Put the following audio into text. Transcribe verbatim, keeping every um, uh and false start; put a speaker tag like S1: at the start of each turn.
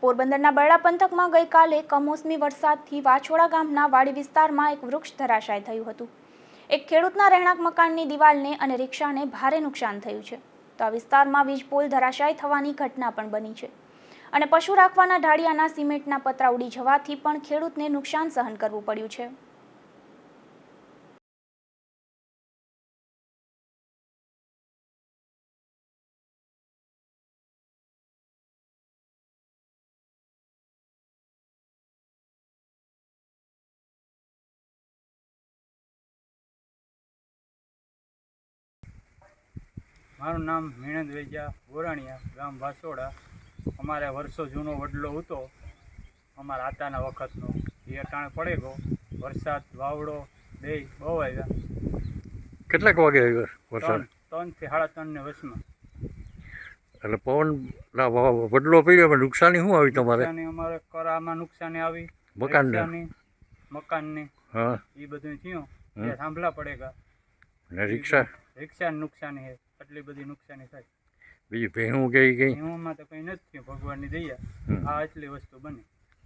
S1: પોરબંદરના બરડા પંથકમાં ગઈકાલે કમોસમી વરસાદથી વાછોડા ગામના વાડી વિસ્તારમાં એક વૃક્ષ ધરાશાય થયું હતું। એક ખેડૂતના રહેણાંક મકાનની દિવાલને અને રિક્ષાને ભારે નુકસાન થયું છે। તો આ વિસ્તારમાં વીજ પોલ ધરાશાય થવાની ઘટના પણ બની છે અને પશુ રાખવાના ઢાળિયાના સિમેન્ટના પતરા ઉડી જવાથી પણ ખેડૂતને નુકસાન સહન કરવું પડ્યું છે।
S2: મારું નામ મીણંદ વેજા ગોરાણીયા, ગામ વાસોડા। અમારે વર્ષો જૂનો વડલો હતો અમારા આતાના વખતનો, એ અટાણે પડે ગયો વરસાદ વાવડો બે બહુ આવ્યા।
S3: કેટલાક વાગે આવ્યો વરસાદ?
S2: ત્રણથી સાડા ત્રણની વચમાં।
S3: એટલે પવન વડલો પડ્યો, પણ નુકસાની શું આવી તમારે?
S2: નુકસાની અમારે કરામાં નુકસાની આવી,
S3: મકાનને
S2: મકાનની
S3: હા
S2: એ બધું થયું, એ સાંભળા પડેગા
S3: ને રિક્ષા
S2: રિક્ષાની નુકસાની છે, એટલી બધી નુકસાની થાય।
S3: બીજી ભેહું ગઈ ગઈ
S2: ભેહુંમાં તો કંઈ નથી થયું, ભગવાનની દયા આ એટલી વસ્તુ બની।